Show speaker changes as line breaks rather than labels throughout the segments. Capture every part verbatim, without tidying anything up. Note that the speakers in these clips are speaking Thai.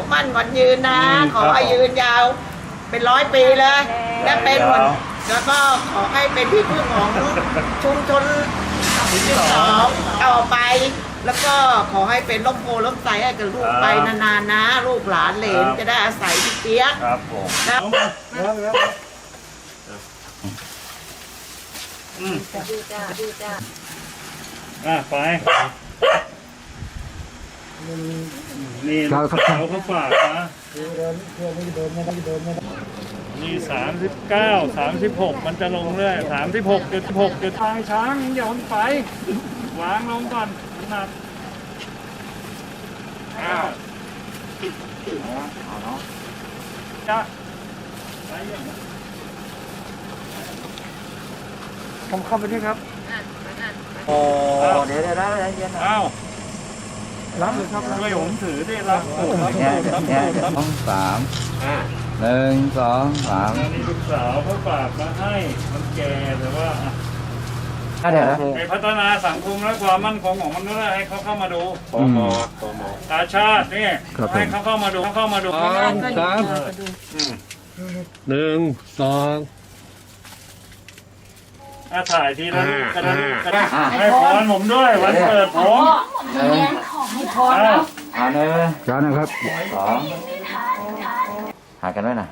มั่นขวัญยืนนะขอให้ยืนยาวเป็นร้อยปีเลยและเป็นแล้วก็ขอให้เป็นที่พึ่งของชุมชนที่สองต่อไปแล้วก็ขอให้เป็นร่มโพล่มไทรให้กับลูกไปนานๆนะลูกหลานเหลนจะได้อาศัยที่เปียก
ครับผม
นะ
อืม
ดูจ้าดูจ้า
อ่ะไปนี่เขาเขาเขาฝากนะนี่สามสิบเก้าสามสิบหกมันจะลงเรื่อยสามสิบหกจุดหกจุดทางช้างอย่ามันไปวางลงก่อนน้ำหนักอ้าวเอาเนาะจ้ะไปยังคำเข้าไปด้วยครับโอ้เดี๋ยวเดี๋ยวได้เย็นอ้าวรับเลยครับช่วยผมถือได้รับรับรับรับ
สองสามหนึ่งสองสาม
นี่ลูกสาวเขาฝากมาให้มันแก่แต่ว่า
เดี๋ยว
ไปพัฒนาสังคมและความมั่นคงของมนุษย์ให้เขาเข้ามาดูปมปมตาชาตินี่ให้เขาเข้ามาดูเขาเข้ามาดู
สองสามหนึ่งสอง
อาถ่ายทีละรูปกระดาษกระดาษให้พรผมด้วยวันเกิดผม
ให้พรแล้ว
อ่าเนี่ยจ้านะครับสองหากันไว้น่ะ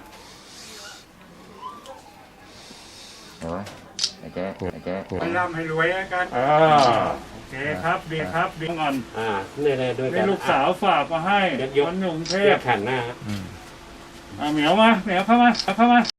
เดี๋ยวไว้ไอ้เจ๊ไอ้เจ๊
ให้ร่ำให้รวยกันโอเคครับดีครับดีก่อน
อ่าเนี่ยเนี่ยด้วยกัน
ลูกสาวฝากมาให้คนหนุ่มเทพ
แผ่นหน้า
อ่าเหมียวมาเหมียวเข้ามาเข้ามา